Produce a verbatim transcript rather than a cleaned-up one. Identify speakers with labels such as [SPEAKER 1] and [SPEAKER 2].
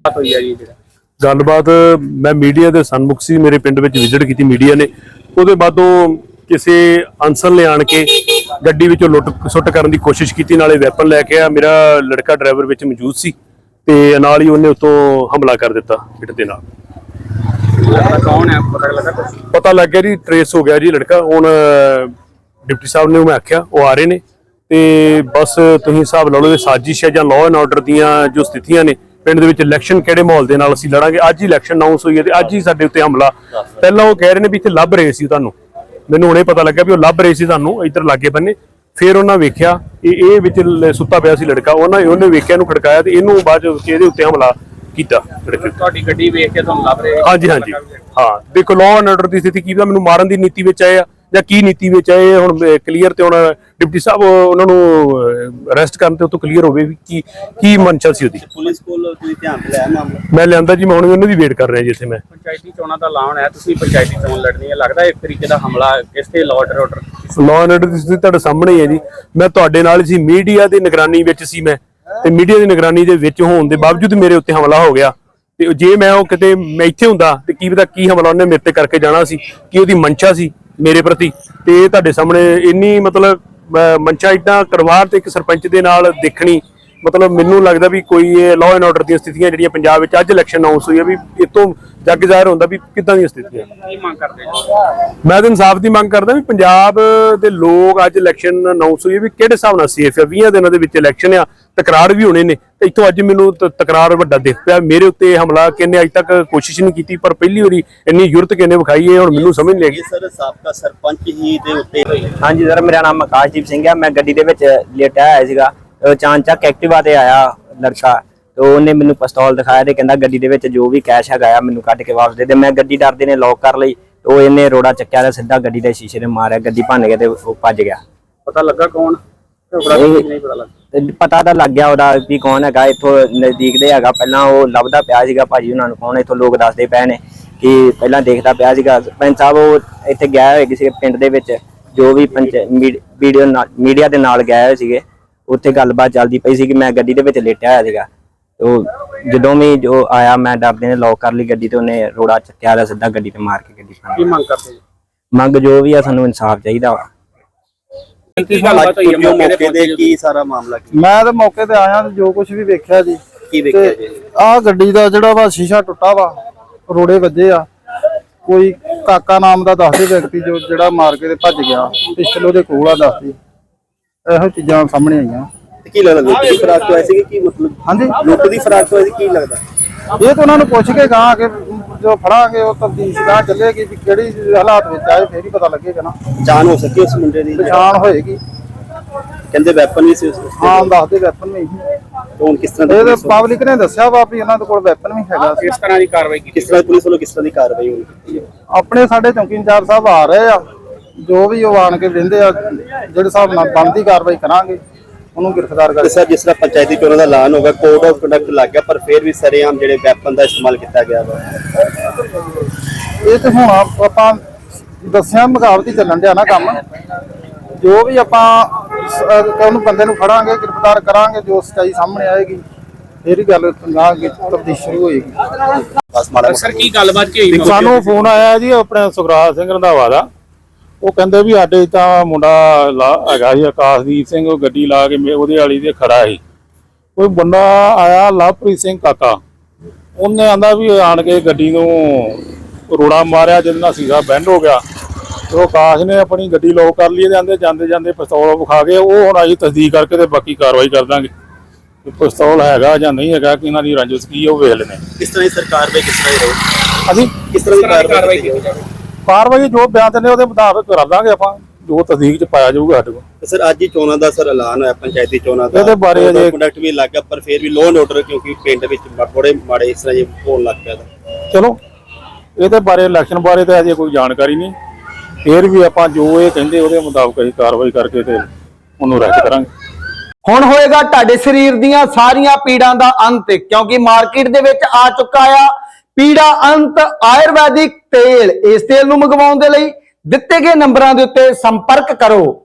[SPEAKER 1] गलबात मैं मीडिया के सन्मुख से मेरे पिंड में विजिट की मीडिया ने उसके बादों किसी अंसर ले आन के गड्डी विचों लुट सुट करने की कोशिश की, नाले वैपन लैके आ। मेरा लड़का ड्राइवर विच मौजूद सी ते नाल ही उन्हें उत्तों हमला कर दिता पिट दे नाल।
[SPEAKER 2] कौन है पता लगा?
[SPEAKER 1] पता लग गया जी, ट्रेस हो गया जी लड़का। हुण डिप्टी साहब ने मैं आख्या वो आ रहे ने ते बस तुसीं हिसाब ला लो साजिश है जां लॉ एंड ऑर्डर दीयां जो स्थितियां ने पिंड दे विच इलैक्शन किहड़े माहौल दे नाल असीं लड़ांगे। अज ही इलैक्शन अनाउंस हुई है ते अज ही साडे उत्ते हमला। पहलां वो कह रहे ने भी इत्थे लभ रहे सी तुहानूं, मैनूं हुणे पता लग्या भी वो लभ रहे सी तुहानूं इधर लागे बन्ने। फिर उन्हें वेख्या ये विच सुत्ता पिया सी लड़का, उन्हें उन्हें वेख्या इहनूं खड़काया ते इहनूं बाद इहदे उत्ते हमला कीता।
[SPEAKER 2] तुहाडी गड्डी वेख के तुहानूं लभ रहे?
[SPEAKER 1] हाँ जी हाँ जी हाँ। देखो लॉ एंड ऑर्डर की स्थिति की मैनूं मारन की नीति विच आए आ ਜਾਂ ਕੀ ਨੀਤੀ ਵਿੱਚ ਆਏ ਹੁਣ ਕਲੀਅਰ ਤੇ ਹੁਣ ਡਿਪਟੀ ਸਾਹਿਬ ਉਹਨਾਂ ਨੂੰ ਅਰੈਸਟ ਕਰਨ ਤੇ ਉਹ ਤੋਂ ਕਲੀਅਰ ਹੋਵੇ ਵੀ ਕੀ ਕੀ ਮਨਸ਼ਾ ਸੀ ਉਹਦੀ।
[SPEAKER 2] ਪੁਲਿਸ ਕੋਲ ਤੁਸੀਂ ਧਿਆਨ ਲਿਆ ਮਾਮਲਾ?
[SPEAKER 1] ਮੈਂ ਲਿਆਂਦਾ ਜੀ, ਮੈਂ ਹੁਣ ਉਹਨਾਂ ਦੀ ਵੇਟ ਕਰ ਰਿਹਾ ਜੀ ਇੱਥੇ। ਮੈਂ
[SPEAKER 2] ਪੰਚਾਇਤੀ ਚੋਣਾਂ ਦਾ ਐਲਾਨ ਹੈ, ਤੁਸੀਂ ਪੰਚਾਇਤੀ ਚੋਣ ਲੜਨੀ ਹੈ, ਲੱਗਦਾ ਇੱਕ ਤਰੀਕੇ ਦਾ ਹਮਲਾ ਇਸ ਤੇ law and order
[SPEAKER 1] law and order ਦੀ ਸਥਿਤੀ ਤੁਹਾਡੇ ਸਾਹਮਣੇ ਹੀ ਹੈ ਜੀ। ਮੈਂ ਤੁਹਾਡੇ ਨਾਲ ਸੀ, ਮੀਡੀਆ ਦੀ ਨਿਗਰਾਨੀ ਵਿੱਚ ਸੀ ਮੈਂ, ਤੇ ਮੀਡੀਆ ਦੀ ਨਿਗਰਾਨੀ ਦੇ ਵਿੱਚ ਹੋਣ ਦੇ ਬਾਵਜੂਦ ਮੇਰੇ ਉੱਤੇ ਹਮਲਾ ਹੋ ਗਿਆ। ਤੇ ਜੇ ਮੈਂ ਉਹ ਕਿਤੇ ਮੈਂ ਇੱਥੇ ਹੁੰਦਾ ਤੇ ਕੀ ਪਤਾ ਕੀ ਹਮਲਾ ਉਹਨੇ ਮੇਰੇ ਤੇ ਕਰਕੇ ਜਾਣਾ ਸੀ, ਕੀ ਉਹਦੀ ਮਨਸ਼ਾ ਸੀ मेरे प्रति। ते तुहाडे सामने इन्नी मतलब मंशा इदा करवार ते एक सरपंच दे नाल देखनी, मतलब मैनूं लगदा भी कोई लॉ एंड ऑर्डर दी स्थितियां जिहड़ियां पंजाब विच अज इलैक्शन अनाउंस हुई है भी इतों जग ज़ाहिर होंदा भी किदां दी स्थितियां।
[SPEAKER 2] की मंग करदे?
[SPEAKER 1] मैं तो इंसाफ की मंग करदा भी पंजाब दे लोग अज इलैक्शन अनाउंस हुई है भी किहड़े हिसाब नाल सेफ है। बीस दिनां दे विच इलैक्शन आ, तकरार भी होने ने ते इत्थों अज मैनूं तकरार वड्डा दिख पिया। मेरे उत्ते हमला किन्ने अज तक कोशिश नहीं की, पर पहली वारी इन्नी जुरत किन्ने विखाई है हुण मैनूं समझ नहीं लगी।
[SPEAKER 2] सर साबका सरपंच ही दे उत्ते?
[SPEAKER 3] हाँ जी सर, मेरा नाम आकाशदीप सिंह है। मैं गड्डी दे विच लेटा आया सीगा, चांचक एक्टिवा ते आया लड़का तो उन्हें मैनूं पिस्तौल दिखाया ते कहंदा गड्डी दे विच जो भी कैश हैगा मैनूं कढ के वापस दे दे। मैं गड्डी डरदे ने लॉक कर लई तो इन्हें रोड़ा चक्या ते सीधा गड्डी दे शीशे ने मारिया, गड्डी भन्न के ते ओह भज गया।
[SPEAKER 2] पता लगा कौन? नहीं पता लगा।
[SPEAKER 3] पता तो लग गया ਉਹਦਾ ਵੀ कौन हैगा, इत्थों नजदीक ਦੇ ਹੈਗਾ। ਪਹਿਲਾਂ ਉਹ ਲੱਭਦਾ ਪਿਆ ਸੀਗਾ ਭਾਜੀ ਉਹਨਾਂ ਨੂੰ, ਕੌਣ ਇੱਥੋਂ ਲੋਕ ਦੱਸਦੇ ਪਏ ਨੇ ਕਿ ਪਹਿਲਾਂ ਦੇਖਦਾ ਪਿਆ ਸੀਗਾ। ਸਰਪੰਚ ਸਾਹਿਬ ਉਹ ਇੱਥੇ ਗਿਆ ਹੋਇਆ ਕਿਸੇ ਪਿੰਡ ਦੇ ਵਿੱਚ, ਜੋ ਵੀ ਪੰਚ ਵੀਡੀਓ ਨਾਲ ਮੀਡੀਆ ਦੇ ਨਾਲ ਗਏ ਹੋਏ ਸੀਗੇ, ਉੱਥੇ ਗੱਲਬਾਤ ਚੱਲਦੀ ਪਈ ਸੀ ਕਿ ਮੈਂ ਗੱਡੀ ਦੇ ਵਿੱਚ ਲੇਟਿਆ ਹੋਇਆ ਸੀਗਾ। ਉਹ ਜਦੋਂ ਵੀ ਜੋ ਆਇਆ ਮੈਂ ਡਰਦੇ ਨੇ ਲੌਕ ਕਰ ਲਈ ਗੱਡੀ ਤੇ ਉਹਨੇ ਰੋੜਾ ਚੱਕਿਆ ਤੇ ਸਿੱਧਾ ਗੱਡੀ ਤੇ ਮਾਰ ਕੇ ਗੱਡੀ
[SPEAKER 2] ਕੀ ਮੰਗ ਕਰਦੇ?
[SPEAKER 3] ਮੰਗ ਜੋ ਵੀ ਆ ਸਾਨੂੰ ਇਨਸਾਫ ਚਾਹੀਦਾ ਵਾ।
[SPEAKER 2] मौके दे की सारा मामला की?
[SPEAKER 4] मैं तो मौके ते आया जो कुछ भी वेख्या जी।
[SPEAKER 2] की वेख्या जी?
[SPEAKER 4] आ गड्डी दा जिहड़ा वा शीशा टुटा वा, रोड़े वजे आ। कोई काका नाम दा दसदे व्यक्ति जो जिहड़ा मार के ते भज गया, पिस्टल ओहदे कोल आ दसदे। ਇਹੋ ਚੀਜ਼ਾਂ ਸਾਹਮਣੇ ਆਈਆਂ।
[SPEAKER 2] ਕੀ ਲੱਗਦਾ ਲੁੱਟ ਦੀ ਫਰਾਕ ਤੋਂ ਐਸੀ ਕੀ ਮਤਲਬ?
[SPEAKER 4] ਹਾਂਜੀ
[SPEAKER 2] ਲੁੱਟ ਦੀ ਫਰਾਕ ਤੋਂ ਐਸੀ ਕੀ ਲੱਗਦਾ?
[SPEAKER 4] ਇਹ ਤਾਂ ਉਹਨਾਂ ਨੂੰ ਪੁੱਛ ਕੇ ਗਾਂ ਕਿ ਜੋ ਫੜਾਂਗੇ ਉਹ ਤਫਤੀਸ਼ ਗਾਂ ਚੱਲੇਗੀ ਵੀ ਕਿਹੜੀ ਹਾਲਾਤ ਵਿੱਚ ਆਏ, ਫੇਰ ਹੀ ਪਤਾ ਲੱਗੇਗਾ ਨਾ।
[SPEAKER 2] ਪਛਾਣ ਹੋ ਸਕੀ ਉਸ ਮੁੰਡੇ ਦੀ?
[SPEAKER 4] ਪਛਾਣ ਹੋਏਗੀ।
[SPEAKER 2] ਕਹਿੰਦੇ ਵੈਪਨ ਵੀ ਸੀ ਉਸ ਕੋਲ?
[SPEAKER 4] ਹਾਂ ਦੱਸਦੇ ਵੈਪਨ ਵੀ।
[SPEAKER 2] ਕੌਣ ਕਿਸ ਤਰ੍ਹਾਂ
[SPEAKER 4] ਇਹ ਤਾਂ ਪਬਲਿਕ ਨੇ ਦੱਸਿਆ ਵਾ ਵੀ ਉਹਨਾਂ ਦੇ ਕੋਲ ਵੈਪਨ ਵੀ ਹੈਗਾ।
[SPEAKER 2] ਕਿਸ ਤਰ੍ਹਾਂ ਦੀ ਕਾਰਵਾਈ ਕੀਤੀ? ਕਿਸ ਤਰ੍ਹਾਂ ਪੁਲਿਸ ਵੱਲੋਂ ਕਿਸ ਤਰ੍ਹਾਂ ਦੀ ਕਾਰਵਾਈ ਹੋਣੀ ਕੀਤੀ ਹੈ?
[SPEAKER 4] ਆਪਣੇ ਸਾਡੇ ਚੌਂਕੀ ਇੰਚਾਰਜ ਸਾਹਿਬ ਆ ਰਹੇ ਆ, ਜੋ ਵੀ ਉਹ ਆਣ ਕੇ ਵਹਿੰਦੇ ਆ ਜਿਹੜੇ ਹਿਸਾਬ ਨਾਲ ਬਣਦੀ ਕਾਰਵਾਈ ਕਰਾਂਗੇ ਉਹਨੂੰ ਗ੍ਰਿਫਤਾਰ ਕਰ।
[SPEAKER 2] ਸਰ ਜਿਸ ਤਰ੍ਹਾਂ ਪੰਚਾਇਤੀ ਚੋਣਾਂ ਦਾ ਐਲਾਨ ਹੋਗਾ, ਕੋਡ ਆਫ ਕੰਡਕਟ ਲੱਗ ਗਿਆ, ਪਰ ਫਿਰ ਵੀ ਸਰੇਆਮ ਜਿਹੜੇ ਵੈਪਨ ਦਾ ਇਸਤੇਮਾਲ ਕੀਤਾ ਗਿਆ ਵਾ।
[SPEAKER 4] ਇਹ ਤੇ ਹੁਣ ਆਪਾਂ ਦੱਸਿਆ ਮੁਕਾਬਲਤੀ ਚੱਲਣ ਡਿਆ ਨਾ ਕੰਮ। ਜੋ ਵੀ ਆਪਾਂ ਉਹਨੂੰ ਬੰਦੇ ਨੂੰ ਫੜਾਂਗੇ, ਗ੍ਰਿਫਤਾਰ ਕਰਾਂਗੇ, ਜੋ ਸੱਚਾਈ ਸਾਹਮਣੇ ਆਏਗੀ ਫਿਰ ਹੀ ਗੱਲ ਤਫਤੀਸ਼ ਸ਼ੁਰੂ ਹੋਏਗੀ।
[SPEAKER 2] ਸਰ ਕੀ ਗੱਲਬਾਤ ਕੀ ਹੋਈ?
[SPEAKER 5] ਸਾਨੂੰ ਫੋਨ ਆਇਆ ਜੀ ਆਪਣੇ ਸੁਖਰਾਜ ਸਿੰਘ ਰੰਧਾਵਾ ਦਾ। ਉਹ ਕਹਿੰਦੇ ਵੀ ਸਾਡੇ ਤਾਂ ਮੁੰਡਾ ਹੈਗਾ ਸੀ ਆਕਾਸ਼ਦੀਪ ਸਿੰਘ, ਉਹ ਗੱਡੀ ਲਾ ਕੇ ਉਹਦੇ ਵਾਲੀ ਦੇ ਖੜਾ ਸੀ। ਕੋਈ ਬੰਦਾ ਆਇਆ ਲਵਪ੍ਰੀਤ ਸਿੰਘ ਕਾਕਾ, ਉਹਨੇ ਆਂਦਾ ਵੀ ਆਣ ਕੇ ਗੱਡੀ ਨੂੰ ਰੋੜਾ ਮਾਰਿਆ, ਜਿਹਦੇ ਨਾਲ ਸੀਸਾ ਬੈਂਡ ਹੋ ਗਿਆ। ਤੇ ਉਹ ਆਕਾਸ਼ ਨੇ ਆਪਣੀ ਗੱਡੀ ਲੋਕ ਕਰ ਲਈ, ਜਾਂਦੇ ਜਾਂਦੇ ਜਾਂਦੇ ਪਿਸਤੌਲ ਵਿਖਾ ਕੇ ਉਹ ਹੁਣ ਅਸੀਂ ਤਸਦੀਕ ਕਰਕੇ ਤੇ ਬਾਕੀ ਕਾਰਵਾਈ ਕਰ ਦਾਂਗੇ ਕਿ ਪਿਸਤੌਲ ਹੈਗਾ ਜਾਂ ਨਹੀਂ ਹੈਗਾ, ਕਿ ਇਹਨਾਂ ਦੀ ਰੰਜਿਸ਼ ਕੀ ਉਹ ਵੇਖ ਲੈਣੇ।
[SPEAKER 2] ਕਿਸ ਤਰ੍ਹਾਂ ਦੀ ਸਰਕਾਰ ਵੇ ਕਿਸ ਤਰ੍ਹਾਂ ਰਹੋ
[SPEAKER 5] ਅਸੀਂ
[SPEAKER 2] ਕਿਸ ਤਰ੍ਹਾਂ ਦੀ ਕਾਰਵਾਈ ਕੀਤੀ?
[SPEAKER 5] ਕਾਰਵਾਈ ਜੋ ਬਿਆਨ ਦਿੰਦੇ ਉਹਦੇ ਮੁਤਾਬਕ ਕਰ ਦਾਂਗੇ ਆਪਾਂ, ਜੋ ਤਸਦੀਕ ਚ ਪਾਇਆ ਜਾਊਗਾ ਸਾਡੇ ਕੋਲ।
[SPEAKER 2] ਸਰ ਅੱਜ ਹੀ ਚੋਣਾਂ ਦਾ ਸਰ ਐਲਾਨ ਹੋਇਆ, ਪੰਚਾਇਤੀ ਚੋਣਾਂ ਦਾ,
[SPEAKER 5] ਇਹਦੇ ਬਾਰੇ ਅਜੇ
[SPEAKER 2] ਕੰਡਕਟ ਵੀ ਲੱਗ ਗਿਆ, ਪਰ ਫਿਰ ਵੀ ਲੋਨ ਆਰਡਰ ਕਿਉਂਕਿ ਪਿੰਡ ਵਿੱਚ ਬੜੇ ਮਾੜੇ ਇਸ ਤਰ੍ਹਾਂ ਜੇ ਹੋਣ ਲੱਗ ਪਿਆ।
[SPEAKER 5] ਚਲੋ ਇਹਦੇ ਬਾਰੇ ਇਲੈਕਸ਼ਨ ਬਾਰੇ ਤਾਂ ਅਜੇ ਕੋਈ ਜਾਣਕਾਰੀ ਨਹੀਂ, ਫਿਰ ਵੀ ਆਪਾਂ ਜੋ ਇਹ ਕਹਿੰਦੇ ਉਹਦੇ ਮੁਤਾਬਕ ਅਸੀਂ ਕਾਰਵਾਈ ਕਰਕੇ ਤੇ ਉਹਨੂੰ ਰੱਦ ਕਰਾਂਗੇ।
[SPEAKER 6] ਹੁਣ ਹੋਏਗਾ ਤੁਹਾਡੇ ਸਰੀਰ ਦੀਆਂ ਸਾਰੀਆਂ ਪੀੜਾਂ ਦਾ ਅੰਤ, ਕਿਉਂਕਿ ਮਾਰਕੀਟ ਦੇ ਵਿੱਚ ਆ ਚੁੱਕਾ ਆ ਪੀੜਾ ਅੰਤ ਆਯੁਰਵੈਦਿਕ ਤੇਲ। ਇਸ ਤੇਲ ਨੂੰ ਮੰਗਵਾਉਣ ਦੇ ਲਈ ਦਿੱਤੇ ਗਏ ਨੰਬਰਾਂ ਦੇ ਉੱਤੇ ਸੰਪਰਕ ਕਰੋ।